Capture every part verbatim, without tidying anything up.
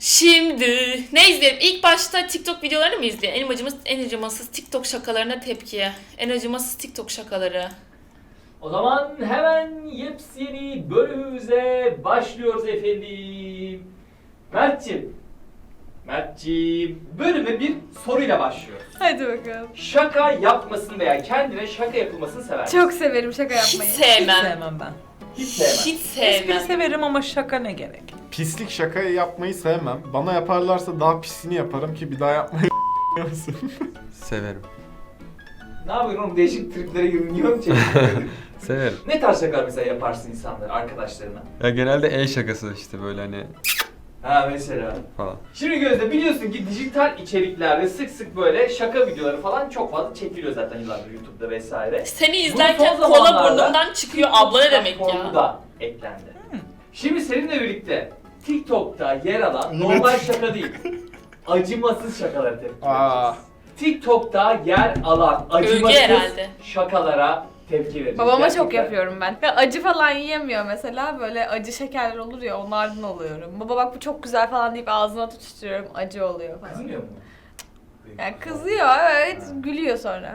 Şimdi ne izleyelim? İlk başta TikTok videolarını mı izleyelim? En acımasız, en acımasız TikTok şakalarına tepki. En acımasız TikTok şakaları. O zaman hemen yepyeni bölümümüze başlıyoruz efendim. Mert'ciğim. Mert'ciğim. Bölüme bir soruyla başlıyoruz. Hadi bakalım. Şaka yapmasını veya kendine şaka yapılmasını sever misin? Çok severim şaka Hiç yapmayı. Hiç sevmem. sevmem ben. Hiç sevmem. Hiç Espri sevmem. severim ama şaka ne gerek? Pislik şakayı yapmayı sevmem. Bana yaparlarsa daha pisini yaparım ki bir daha yapmayı musun? Severim. Ne yapıyorsun oğlum? Değişik triplere girdin. Niye onu çekiyorsun? Severim. Ne tarz şakalar mesela yaparsın insanlara, arkadaşlarına? Ya genelde el şakası işte böyle hani Ha mesela. falan. Şimdi Gözde biliyorsun ki dijital içeriklerde sık sık böyle şaka videoları falan çok fazla çekiliyor zaten yıllardır YouTube'da vesaire. Seni Bu izlerken son kola zamanlarda burnumdan çıkıyor. Abla ne demek platformu ya? da eklendi. Hmm. Şimdi seninle birlikte TikTok'ta yer alan Evet. normal şaka değil, acımasız şakalara tepki Aa. vereceğiz. TikTok'ta yer alan Övgü acımasız herhalde. şakalara tepki vereceğiz. Babama Gerçekten. çok yapıyorum ben. Ya acı falan yiyemiyor mesela. Böyle acı şekerler olur ya onlardan oluyorum. Baba bak bu çok güzel falan deyip ağzına tutuşturuyorum. Acı oluyor falan. Kızmıyor mu? Yani kızıyor evet. Gülüyor sonra.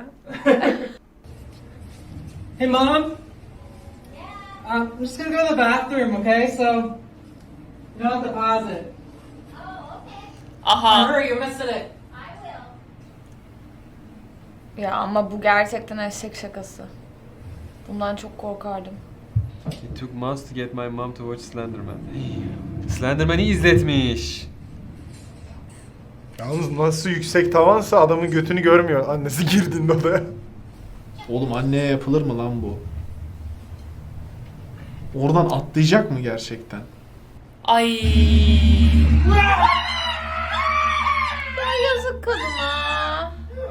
Hey, Mom. Um, I'm just gonna go to the bathroom, okay? So, you don't have to pause it. Aha. Hurry, you're missing it. Ya ama bu gerçekten eşek şakası. Bundan çok korkardım. It took months to get my mom to watch Slenderman. Slenderman'i izletmiş. Yalnız nasıl yüksek tavansa adamın götünü görmüyor annesi girdiğinde odaya. Oğlum anneye yapılır mı lan bu? Oradan atlayacak mı gerçekten? Ay. Ya yazık kadına.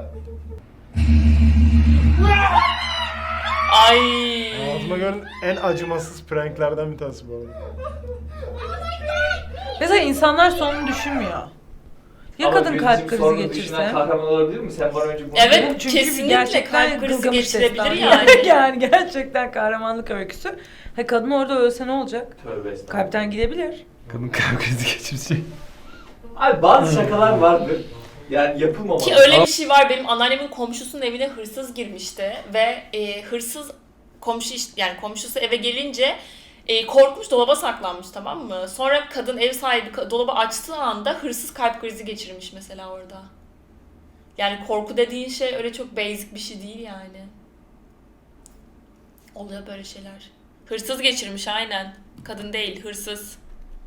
Ay. Ağzıma gören en acımasız pranklerden bir tanesi bu arada. Mesela insanlar sonunu düşünmüyor. Ya Ama kadın kalp Gözde'cim krizi sorunu düşünen geçirse? kahraman olabilir mi? Sen bana önce bunu Evet. Çünkü Kesinlikle gerçekten kalp krizi Gılgamış geçirebilir destanı. yani. Yani gerçekten kahramanlık öyküsü. Ha kadın orada ölse ne olacak? Tövbe estağfurullah. Kalpten gidebilir. Kadın kalp krizi geçirecek. Abi bazı şakalar vardır. Yani yapılmamalı. Ki öyle bir şey var. Benim anneannemin komşusunun evine hırsız girmişti ve e, hırsız komşu iş- yani komşusu eve gelince e, korkmuş, dolaba saklanmış, tamam mı? Sonra kadın, ev sahibi ka- dolabı açtığı anda hırsız kalp krizi geçirmiş mesela orada. Yani korku dediğin şey öyle çok basic bir şey değil yani. Oluyor böyle şeyler. Hırsız geçirmiş aynen. Kadın değil, hırsız.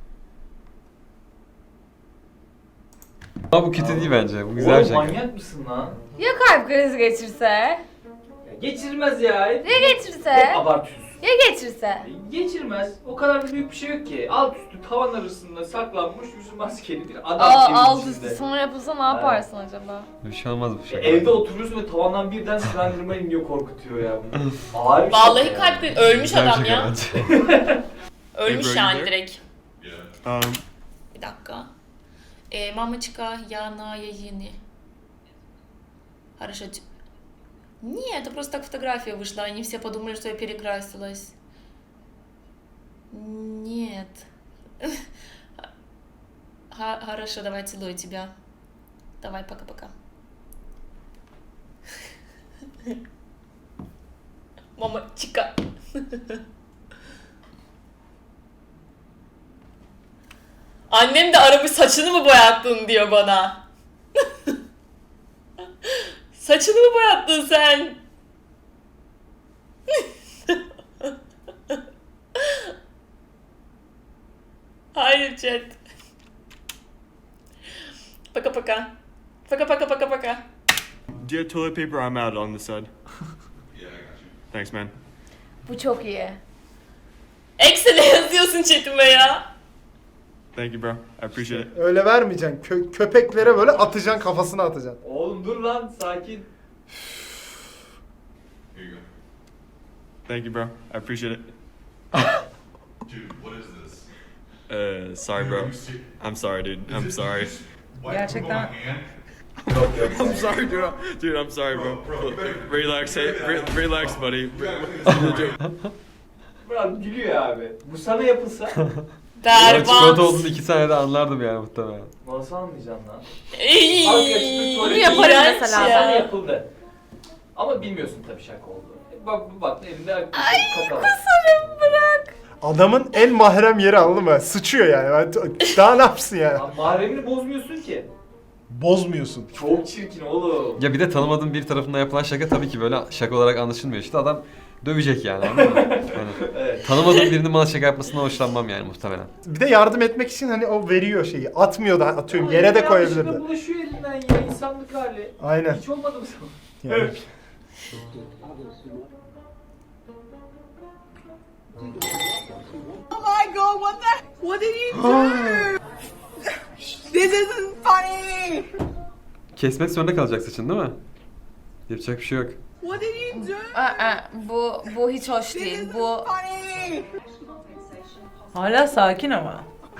Ama bu kötü değil bence. Bu güzel Oğlum şaka. manyak mısın lan? Ya kalp krizi geçirse? Ya geçirmez ya. Ya Hep geçirse? abartıyorsun. Ya geçirse? Geçirmez. O kadar da büyük bir şey yok ki. Alt üstü tavan arasında saklanmış yüzü maskeli bir adam Aa, evin alt içinde. üstü sonra yapılsa ne yaparsın acaba? Bir şey olmaz bu Ya şaka. evde oturuyorsun ve tavandan birden Slenderman iniyor, korkutuyor ya. Ağır bir Vallahi şey kalp krizi. Ölmüş Güzel adam şaka ya. bence. Ölmüş Ebru, yani you there? direkt. Um, Bir dakika. E, мамочка, я на Яине. Хорошо. т- Не, это просто так фотография вышла. Они все подумали, что я перекрасилась. Нет. Ха- Хорошо, давай целую тебя. Давай, пока-пока. Мамочка. Annem de aramış, saçını mı boyattın diyor bana. Saçını mı boyattın sen? Hayır chat. Paka paka. Paka paka paka paka. Do you have toilet paper? I'm out on this side. Yeah, I got you. Thanks, man. Bu çok iyi. Eksi ne yazıyorsun chatime ya? Thank you, bro. I appreciate it. öyle vermeyeceksin. Kö- köpeklere böyle atacaksın, kafasına atacaksın. Oğlum dur lan, sakin. Here you go. Thank you, bro. I appreciate it. Dude, what is this? Uh, sorry, bro. I'm sorry, dude. I'm sorry. Gerçekten. Yok yok. I'm sorry, dude. Dude, I'm sorry, bro. Relax, hey, re- relax, buddy. Biraz gülüyor abi. Bu sana yapılsa Ben çikolata Berbat. olduğunu iki saniyede anlardım yani muhtemelen. Nasıl anlayacaksın lan? Ey, Halk açıklık tuvaleti- Bunu yaparım iğrenç mesela. ya. Sana yapıldı. Ama bilmiyorsun tabii şaka olduğunu. E, Bak bak elinde Ay kakalı. Adamın en mahrem yeri anladın mı? Sıçıyor yani. Ben- Daha ne yapsın yani? Lan mahremini bozmuyorsun ki. Bozmuyorsun. Çok çirkin oğlum. Ya bir de tanımadığın bir tarafından yapılan şaka tabii ki böyle şaka olarak anlaşılmıyor. İşte adam dövecek yani anladın mı? Yani Evet. tanımadığım birinin bana şaka yapmasına hoşlanmam yani muhtemelen. Bir de yardım etmek için hani o veriyor şeyi. Atmıyor da atıyorum. Ama Yere de yanlışlıkla koyabilirdi. bulaşıyor elinden ya insanlık hali. Aynen. Hiç olmadı mı sana? Yani. Oh my god, what the? What did you do? This isn't funny. Kesmek zorunda kalacak saçın değil mi? Yapacak bir şey yok. What did you do? Aa, bu bu hiç hoş This değil. isn't Bu funny. Hala sakin ama.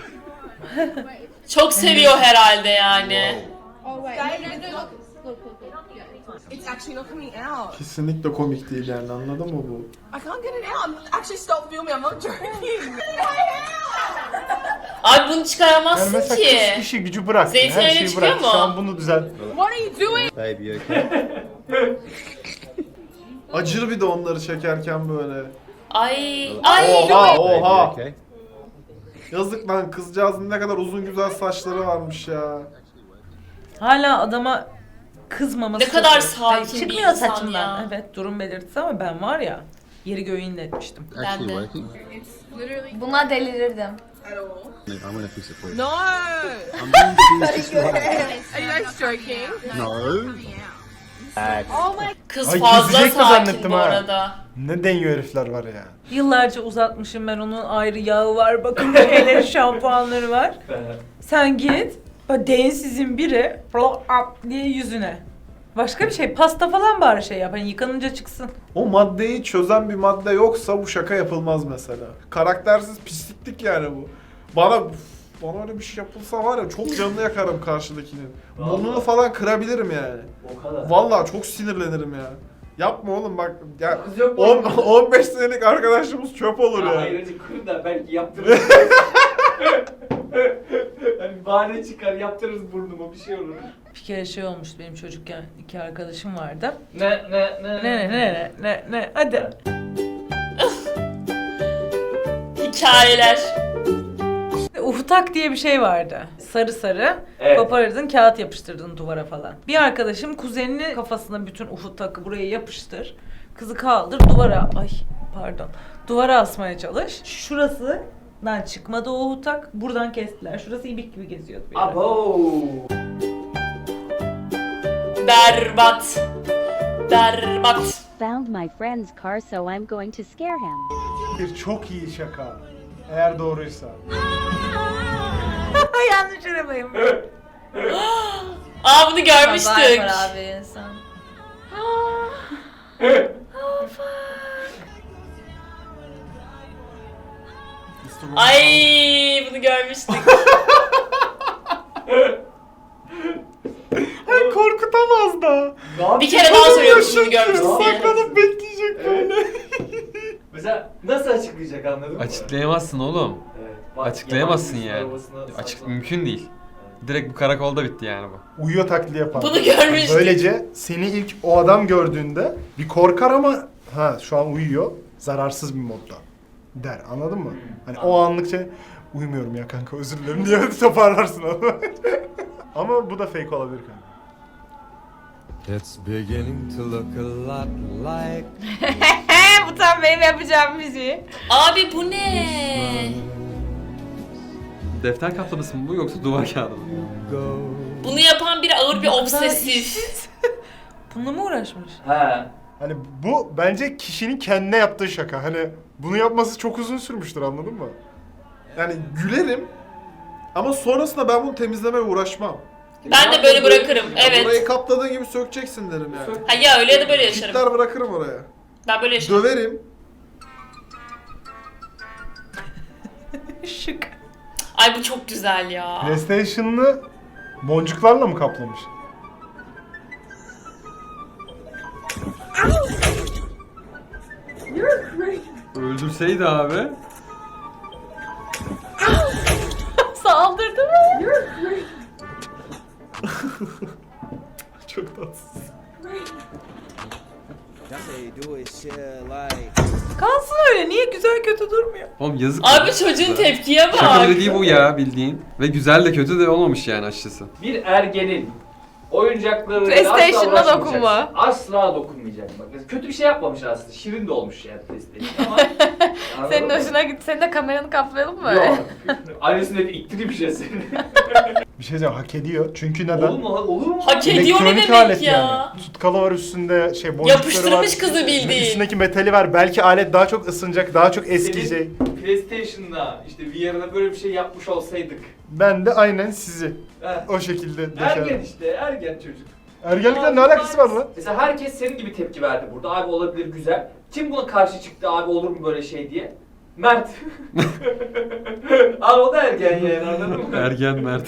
Çok seviyor herhalde yani. Oh wait. Look, look, look, look. It's actually not coming out. Kesinlikle komik değil yani anladın mı bu? I can't get it out. Actually, stop filming. I'm not joking. Abi bunu Yani çıkaramazsın mesela ki. kız işi gücü bırak. Zeytin Her öyle şeyi çıkıyor bırak. mu? Şu an bunu düzelt. What are you doing? Baby Acır bir de onları çekerken böyle. Ay ay. Oha oha. Yazık lan kızcağızın ne kadar uzun güzel saçları varmış ya. Hala adama kızmaması. Ne kadar çok- sakin Ay, bir çıkmıyor insan saçımdan. ya. Evet durum belirtisi ama ben var ya yeri göğü inletmiştim. Ben de. buna delirirdim. No. Are you guys joking? Kız Ay, fazla kesecek de sakin zannettim bu ha. arada. Ne deniyor herifler var ya. Yıllarca uzatmışım ben, onun ayrı yağı var, bakım şeyleri, şampuanları var. Sen git, o densizin biri flop up diye yüzüne. Başka bir şey, pasta falan bari şey yap, hani yıkanınca çıksın. O maddeyi çözen bir madde yoksa bu şaka yapılmaz mesela. Karaktersiz pisliklik yani bu. Bana bana öyle bir şey yapılsa var ya çok canını yakarım karşıdakinin. Burnunu falan kırabilirim yani. O kadar. Vallahi çok sinirlenirim ya. Yapma oğlum bak ya Kız yok mu? on, on beş senelik arkadaşımız çöp olur Ya ya. hayır hacı kır da belki yaptırırız. Yani bahane çıkar yaptırırız burnuma bir şey olur. Bir kere şey olmuştu benim çocukken, iki arkadaşım vardı. Ne ne ne Ne ne ne ne ne hadi. Hikayeler. Uhutak diye bir şey vardı. Sarı sarı. Evet. Koparırdın, kağıt yapıştırdın duvara falan. Bir arkadaşım kuzenini kafasına bütün uhutakı buraya yapıştır. Kızı kaldır duvara, ay pardon. Duvara asmaya çalış. Şurasından çıkmadı o uhutak. Buradan kestiler. Şurası ibik gibi geziyordu bir ara. Abo. Berbat. Berbat. Found my friend's car, so I'm going to scare him. Bir çok iyi şaka. Eğer doğruysa. Yanlış arabayım. Aa bunu görmüştük. Var abi insan. Ay bunu görmüştük. Ay korkutamaz da. Ne yapayım? Bir kere daha söylüyorum bunu görmüştük diye. Saklanıp bekleyecek böyle. Mesela nasıl açıklayacak anladın mı? Açıklayamazsın oğlum. Evet, bak, Açıklayamazsın yabancı yani. arabasına Açık saklan. mümkün değil. Direkt bu karakolda bitti yani bu. Uyuyor taklidi yapar. Bunu görmüştük. Böylece seni ilk o adam gördüğünde bir korkar ama ha şu an uyuyor. Zararsız bir modda der. Anladın mı? Hani o anlık şey uyumuyorum ya kanka özür dilerim diye toparlarsın onu. Ama bu da fake olabilir kanka. It's beginning to look a lot like Bu tam benim yapacağım müziği. Abi bu ne? Defter kaplaması mı bu yoksa duvar kağıdı mı? Bunu yapan biri ağır bir Ne kadar obsesif. Bununla mı uğraşmış? He. Hani bu bence kişinin kendine yaptığı şaka. Hani bunu yapması çok uzun sürmüştür anladın mı? Yani gülerim ama sonrasında ben bunu temizlemeye uğraşmam. Ben de böyle bırakırım. Orayı Evet. kapladığın gibi sökeceksin derim yani. Ha ya öyle ya da böyle yaşarım. Kitler bırakırım oraya. Ben böyle yaşarım. Döverim. Şık. Ay bu çok güzel ya. PlayStation'ını boncuklarla mı kaplamış? Öldürseydi abi. Çok tatsız. Kalsın öyle. Niye güzel kötü durmuyor? Oğlum yazık. Abi ya. çocuğun tepkiye bak. Şaka bile değil bu ya bildiğin. Ve güzel de kötü de olmamış yani açıkçası. Bir ergenin oyuncakları PlayStation'da asla dokunma. uğraşmayacaksın. Asla dokunmayacak. Bak mesela kötü bir şey yapmamış aslında. Şirin de olmuş yani PlayStation ama. Senin Anladın mı? hoşuna gitti. Senin de kameranı kaplayalım mı? Yok. Annesine de iktireyim bir şey seni. Bir şey diyeceğim, hak ediyor. Çünkü neden? Olur mu? Olur mu? Hak ediyor ne Elektronik demek alet ya? yani. Tutkalı var üstünde, şey boncukları var. Yapıştırmış kızı bildiğin. Üstündeki metali var. Belki alet daha çok ısınacak, daha çok eskiyecek. Senin PlayStation'da işte V R'da böyle bir şey yapmış olsaydık. Ben de aynen sizi Heh. o şekilde Ergen deşerim. işte, ergen çocuk. Ergenlikle ne alakası var lan? Mesela herkes senin gibi tepki verdi burada. Abi olabilir, güzel. Kim buna karşı çıktı abi olur mu böyle şey diye? Mert. Abi o da ergen yani anladın mı? Ergen Mert.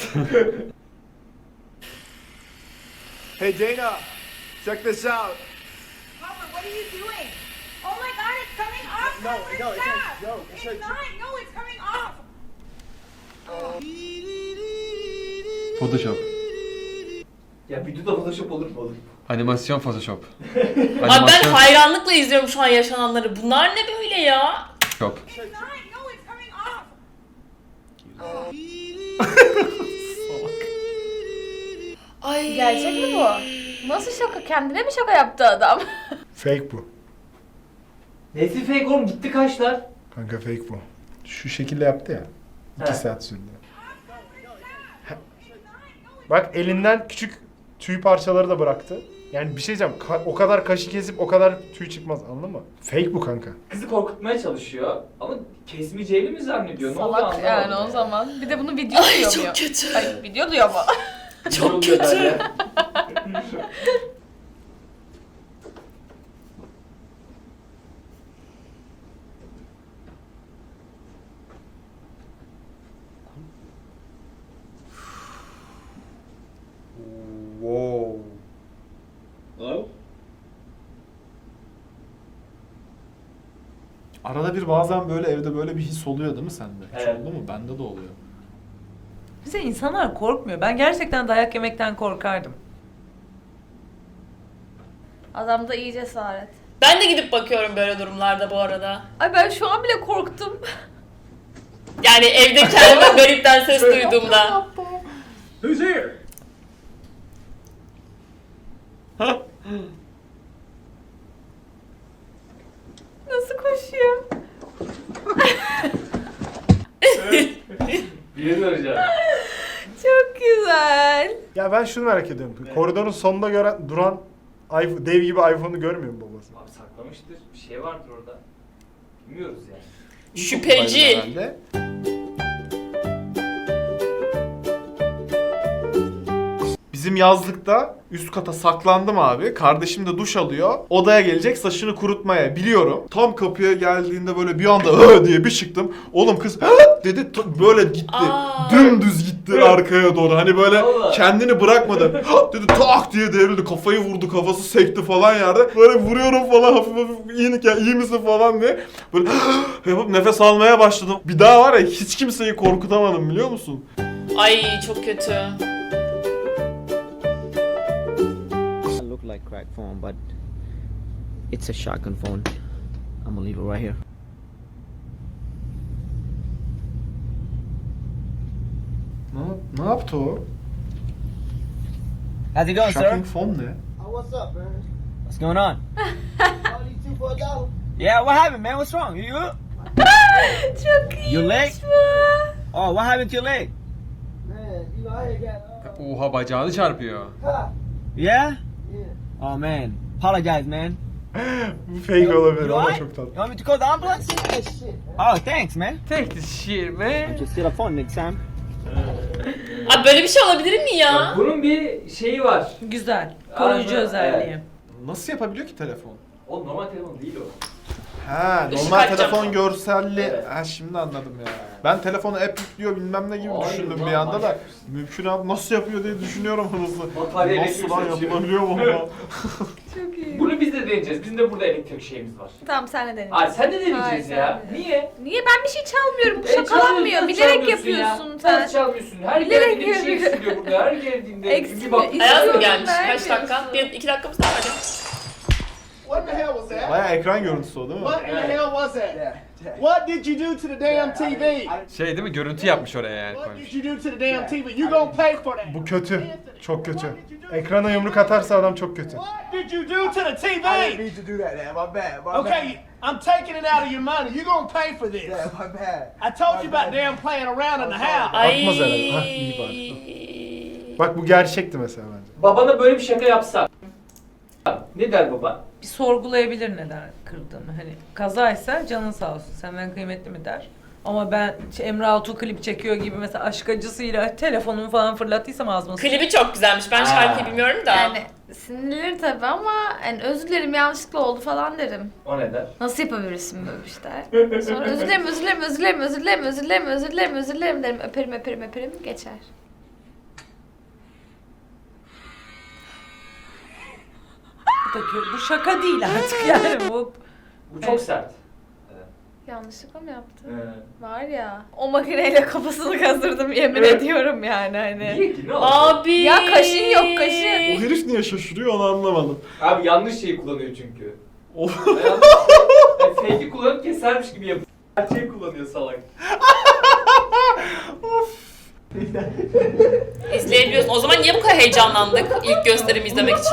Hey Dana, check this out. Papa, what are you doing? Oh my god, it's coming off! No, Papa, no, it's stop! like- no, it's it's like- not! No, it's coming off! Photoshop. Ya videoda Photoshop olur mu oğlum? Animasyon Photoshop. Abi ben Animasyon hayranlıkla izliyorum şu an yaşananları. Bunlar ne böyle ya? Photoshop. It's not! No, it's coming off! Ay. Gerçek mi bu? Nasıl şaka? Kendine mi şaka yaptı adam? Fake bu. Nesi fake oğlum gitti kaçlar? Kanka fake bu. Şu şekilde yaptı ya. İki He. saat sürdü. Bak elinden küçük tüy parçaları da bıraktı. Yani bir şey diyeceğim. ka- o kadar kaşı kesip o kadar tüy çıkmaz, anladın mı? Fake bu kanka. Kızı korkutmaya çalışıyor ama kesmeyeceğini mi zannediyor? Ne oluyor Salak anlamadım yani o ya. zaman. Bir de bunu video Ay diyor çok mu? kötü. Ay video diyor mu? Ne Çok oluyor kötü. derler? Wow. Hello? Arada bir bazen böyle evde böyle bir his oluyor değil mi sende? Hiç Evet. oldu mu? Bende de oluyor. Bize insanlar korkmuyor. Ben gerçekten dayak yemekten korkardım. Adamda iyi cesaret. Ben de gidip bakıyorum böyle durumlarda bu arada. Ay ben şu an bile korktum. Yani evde kendime garipten ses duyduğumda. Who's here? Nasıl koşuyor? Birini arayacağım. Çok güzel. Ya ben şunu merak ediyorum. Koridorun sonunda gören, duran iPhone, dev gibi iPhone'u görmüyor mu babası? Abi saklamıştır. Bir şey vardır orada. Bilmiyoruz yani. Şüpheci. Herhalde. Bizim yazlıkta üst kata saklandım abi. Kardeşim de duş alıyor. Odaya gelecek saçını kurutmaya biliyorum. Tam kapıya geldiğinde böyle bir anda hı diye bir çıktım. Oğlum kız hı dedi t- böyle gitti. Aa. Dümdüz gitti arkaya doğru. Hani böyle Vallahi. kendini bırakmadı. Hı dedi tak diye devrildi. Kafayı vurdu, kafası sekti falan yerde. Böyle vuruyorum falan hafif hafif iyi, ya, iyi misin falan diye. Böyle yapıp nefes almaya başladım. Bir daha var ya hiç kimseyi korkutamadım biliyor musun? Ay çok kötü. Look like crack phone, but it's a shotgun phone. I'm gonna leave it right here. Ne, ne yaptı o? How's it going, Shocking sir? phone ne? Oh, what's up, man? What's going on? Yeah, what happened, man? What's wrong? You good? Çok iyi. Your leg? Oh, what happened to your leg? Oha bacağını çarpıyor. Yeah? Oh man, apologize, man. Bu fake olabilir You ama alright? çok You tatlı. want me to call the ambulance? Oh, thanks, man. Take this shit man. Just get a phone next time. Abi böyle bir şey olabilir mi ya? Bunun bir şeyi var. Güzel. Koruyucu Aynen, özelliği. evet. Nasıl yapabiliyor ki telefon? O normal telefon değil o. Ha, Işık normal açacak. telefon görselli. Evet. Ha şimdi anladım ya. Ben telefonu app yüklüyor bilmem ne gibi Hayır düşündüm lan, bir anda da. manyak mısın? Mümkün abi nasıl yapıyor diye düşünüyorum nasıl. Batarya Nasıl lan elektriği yapılabiliyor mu ama? Çok iyi. Bunu biz biz de deneyeceğiz. Bizim de burada elektrik şeyimiz var. Tamam sen de deneyeceksin. Ay sen de deneyeceğiz Hayır, ya. sen de. Niye? Niye? Ben bir şey çalmıyorum. Bu E, şakalanmıyor. çalmıyorsun, Bilerek çalmıyorsun ya. yapıyorsun sen. Nasıl çalmıyorsun? Her Bilerek geldiğinde bir şey yapıyorum. eksiliyor burada. Her geldiğinde Eksiliyor, bir bak. eksiliyor. Ayaz mı İstiyorum, gelmiş? Kaç vermiyorsun. dakika? Bir, iki dakikamız daha hadi. What the hell was that? Baya ekran görüntüsü o değil mi? What in the hell was that? What did you do to the damn T V? Şey değil mi? Görüntü yapmış oraya yani What koymuş. did you do to the damn T V? You gonna pay for that? Bu kötü. Çok kötü. Ekrana yumruk atarsa adam çok kötü. What did you do to the T V? I didn't mean to do that, man. My bad. My Okay, I'm taking it out of your money. You gonna pay for this. bad. Yeah, my bad. I told you about damn playing around in the house. Ay. Atmaz herhalde. Hah iyi bari. Bak bu gerçekti mesela bence. Babana böyle bir şaka yapsak. Ne der baba? Bir sorgulayabilir neden kırdığını. Hani kazaysa canın sağ olsun senden kıymetli mi der. Ama ben işte Emre Altuğ klip çekiyor gibi mesela aşk acısıyla telefonumu falan fırlattıysam ağzıma sıçrar. Klibi çok güzelmiş. Ben şarkıyı bilmiyorum da. Yani sinirlenir tabii ama yani özür dilerim yanlışlıkla oldu falan derim. O ne der? Nasıl yapabilirsin böyle bir şey? Sonra özür dilerim, özür dilerim, özür dilerim, özür dilerim, özür dilerim, özür dilerim, özür dilerim derim. Öperim, öperim, öperim, geçer. Bu da kötü. Bu şaka değil artık yani bu. Bu çok sert. Yanlışlıkla mı yaptın? Ee, Var ya. O makineyle kafasını kazırdım yemin Evet. ediyorum yani hani. Niye ki? Ne oldu? Abi. Ya kaşın yok O kaşın. herif niye şaşırıyor onu anlamadım. Abi yanlış şeyi kullanıyor çünkü. O- Yanlış. Yani fake'i kullanıp kesermiş gibi yapıyor. Gerçeği kullanıyor salak. İzleyebiliyorsun. O zaman niye bu kadar heyecanlandık ilk gösterimi izlemek için?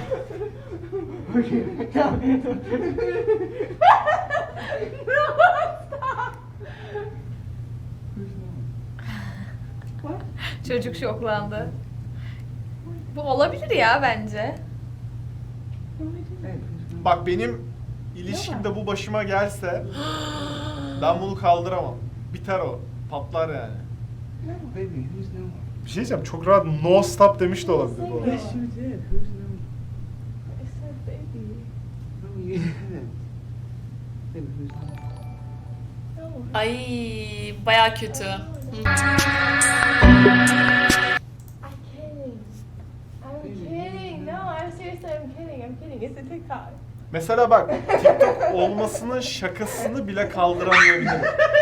Çocuk şoklandı. Bu olabilir ya bence. Bak benim ilişkimde bu başıma gelse ben bunu kaldıramam. Biter o. Patlar yani. Bir şey diyeceğim çok rahat no stop demiş de olabilir bu arada. Ay baya kötü. Hı. Mesela bak TikTok olmasının şakasını bile kaldıramayabilirim.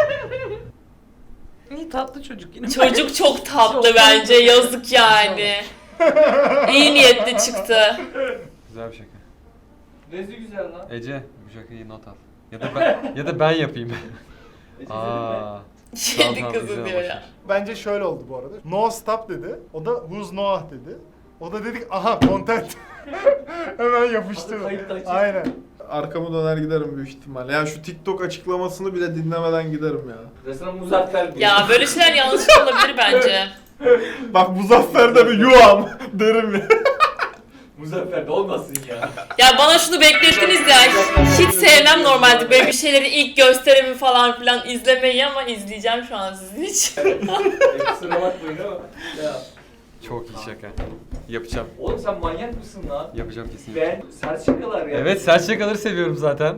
İyi tatlı çocuk yine. Çocuk çok tatlı bence. Yazık yani. İyi niyetli çıktı. Güzel bir şaka. Nesi güzel lan. Ece bu şakayı not al. Ya da ben ya da ben yapayım. Ece Aa. Kedi tamam, kızı izle, diyor boş ya. ver. Bence şöyle oldu bu arada. No stop dedi. O da who's Noah dedi. O da dedik aha content. Hemen yapıştırdı. Kayıtta açık. Aynen. Arkamı döner giderim büyük ihtimalle. Yani şu TikTok açıklamasını bile dinlemeden giderim ya. Resmen Muzaffer diyor. Ya böyle şeyler yanlış olabilir bence. Bak Muzaffer'de bir yuvam derim ya. Muzaffer de olmasın ya. Ya bana şunu beklettiniz ya. Hiç sevmem normalde böyle bir şeyleri ilk gösterimi falan filan izlemeyi ama izleyeceğim şu an sizin için. E, kusura bakmayın ama. Ya. Çok iyi şaka. Yapacağım. Oğlum sen manyak mısın lan? Yapacağım kesinlikle. Ben sert şakalar ya. Evet sert şakaları seviyorum zaten.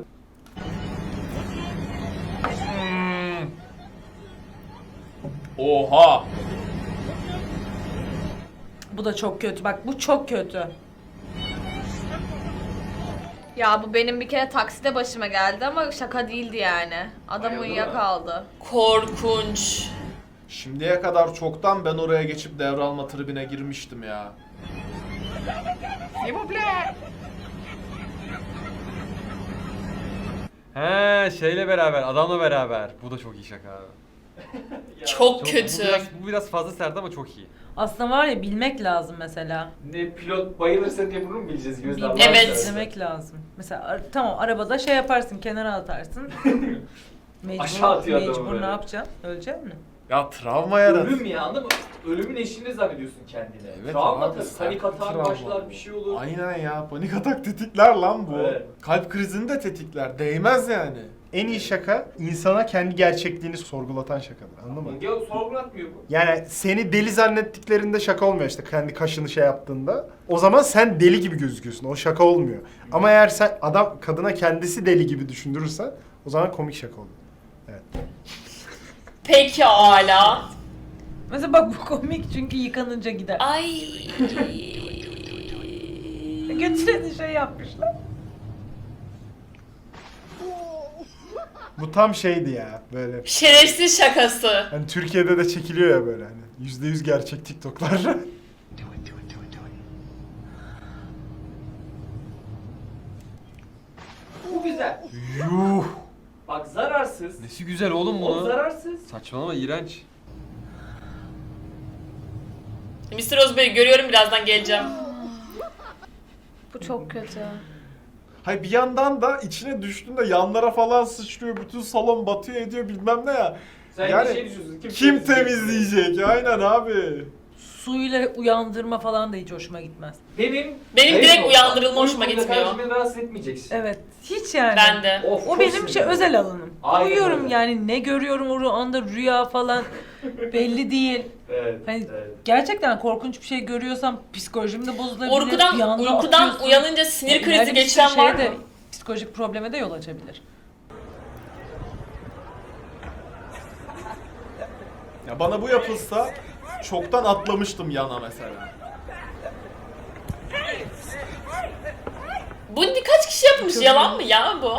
Oha! Bu da çok kötü. Bak bu çok kötü. Ya bu benim bir kere takside başıma geldi ama şaka değildi yani. Adam Bayıldı uyuyakaldı. Korkunç. Şimdiye kadar çoktan ben oraya geçip devralma tribine girmiştim ya. He şeyle beraber, adamla beraber. Bu da çok iyi şaka abi. Çok Çok- kötü. Bu biraz, bu biraz fazla sert ama çok iyi. Aslında var ya bilmek lazım mesela. Ne pilot bayılırsa diye bunu mu bileceğiz gözle Bilmek, Evet. izlemek lazım. Mesela ar- tamam arabada şey yaparsın kenara atarsın. Mecbur, Aşağı atıyor adamı mecbur böyle. ne yapacaksın? Ölecek mi? Ya travma yarat. Ölüm ya anladın mı? Ölümün eşiğinde zannediyorsun kendini. Evet Travma abi, tabii. sert Panik bir atar travma başlar bu. bir şey olur. Aynen ya panik atak tetikler lan bu. Evet. Kalp krizini de tetikler. Değmez yani. En iyi şaka insana kendi gerçekliğini sorgulatan şakadır. Anladın mı? Ya sorgulatmıyor bu. Yani seni deli zannettiklerinde şaka olmuyor işte kendi kaşını şey yaptığında. O zaman sen deli gibi gözüküyorsun. O şaka olmuyor. Ama eğer sen adam kadına kendisi deli gibi düşündürürsen o zaman komik şaka oluyor. Evet. Peki hala. Mesela bak bu komik çünkü yıkanınca gider. Ay. Götüreni şey yapmışlar. Bu tam şeydi ya böyle. Şerefsiz şakası. Hani Türkiye'de de çekiliyor ya böyle hani. yüzde yüz gerçek TikTok'lar. Bu güzel. Yuh. Bak zararsız. Nesi güzel oğlum O bunu? zararsız. Saçmalama, iğrenç. mister Özbey görüyorum, birazdan geleceğim. Bu çok kötü. Hayır bir yandan da içine düştüğünde yanlara falan sıçrıyor. Bütün salon batıyor ediyor bilmem ne ya. Sen yani bir şey düşünüyorsun. Kim, kim temizleyecek? Aynen abi. Suyla uyandırma falan da hiç hoşuma gitmez. Benim Benim direkt olsa, uyandırılma hoşuma uykunda gitmiyor. kardeşim beni rahatsız etmeyeceksin. Evet. Hiç yani. Ben de. Of, O çok benim sinirli. şey özel alanım. Aynen Uyuyorum öyle. yani, ne görüyorum o anda, rüya falan belli değil. Evet, Hani evet. gerçekten korkunç bir şey görüyorsam psikolojim de bozulabilir. Bir Uykudan, anda uykudan atıyorsun. uyanınca sinir Yani krizi ileride bir geçiren sürü var şeye de, mı? psikolojik probleme de yol açabilir. Ya bana bu yapılsa çoktan atlamıştım yana mesela. Bunu kaç kişi yapmış? Yalan mı ya bu?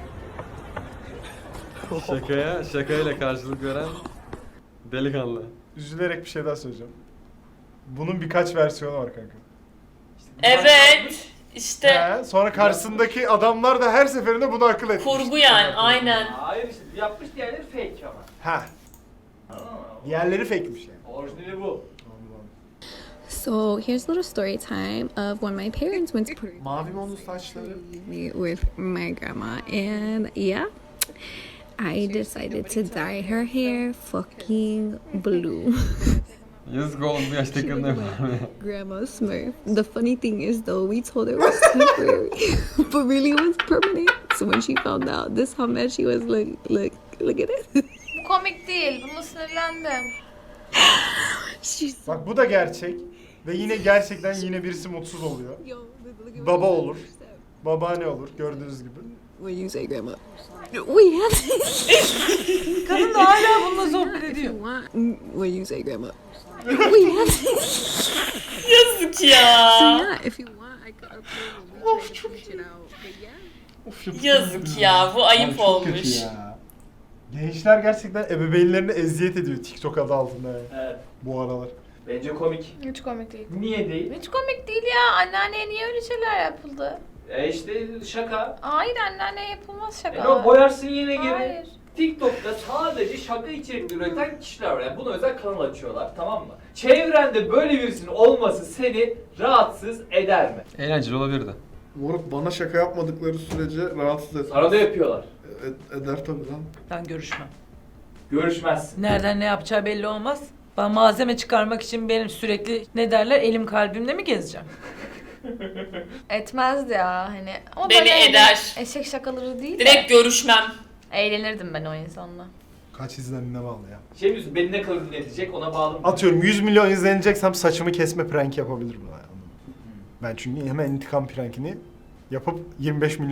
Şakaya, şakayla karşılık veren delikanlı. Üzülerek bir şey daha söyleyeceğim. Bunun birkaç versiyonu var kanka. Evet. İşte He, sonra karşısındaki adamlar da her seferinde bunu akıl etmiş. kurgu yani, aynen. Hayır işte yapmış diğerleri fake ama. Ha. Diğerleri fake'miş yani. Orijinali bu. So here's a little story time of when my parents went to Puerto Rico Mavi mi onun saçları? with my grandma, and yeah, I decided to dye her hair fucking blue. Yazık oğlum, bu yaşta kadına Grandma Smurf. The funny thing is though, we told her it was temporary, but really it was permanent. So when she found out, this how mad she was. Look, look, look at it. Bu komik değil. Buna sinirlendim. Bak bu da gerçek. Ve yine gerçekten yine birisi mutsuz oluyor. Baba olur. Babaanne olur gördüğünüz gibi. When you say grandma, we have. Kadın da hala bununla sohbet ediyor. When you say grandma, we have. Yazık So ya. yeah, if you want, I could upload a WeChat and reach it out. But yeah. Yazık ya. Bu ayıp Abi çok kötü olmuş. ya. Gençler gerçekten ebeveynlerine eziyet ediyor TikTok adı altında yani. Evet. Bu aralar. Bence komik. Hiç komik değil. Niye değil? Hiç komik değil ya. Anneanneye niye öyle şeyler yapıldı? E işte şaka. Hayır, anneanneye yapılmaz şaka. E o boyarsın yine geri. Hayır. TikTok'ta sadece şaka içerikli üreten kişiler var. Yani buna özel kanal açıyorlar, tamam mı? Çevrende böyle birisinin olması seni rahatsız eder mi? Eğlenceli olabilirdi. Moruk bana şaka yapmadıkları sürece rahatsız etmez. Sana da yapıyorlar. E- eder tabii lan. Ben görüşmem. Görüşmezsin. Nereden ne yapacağı belli olmaz. Ben malzeme çıkarmak için benim sürekli ne derler, elim kalbimle mi gezeceğim? Etmezdi ya hani. Ama Beni böyle eder. Eşek şakaları değil de. Direkt görüşmem. Eğlenirdim ben o insanla. Kaç izlendiğine bağlı ya. Şey diyorsun, beni ne kadar dinletecek ona bağlı mı? Atıyorum yüz milyon izleneceksem saçımı kesme prank yapabilirim. Ben çünkü hemen intikam prankini yapıp yirmi beş milyon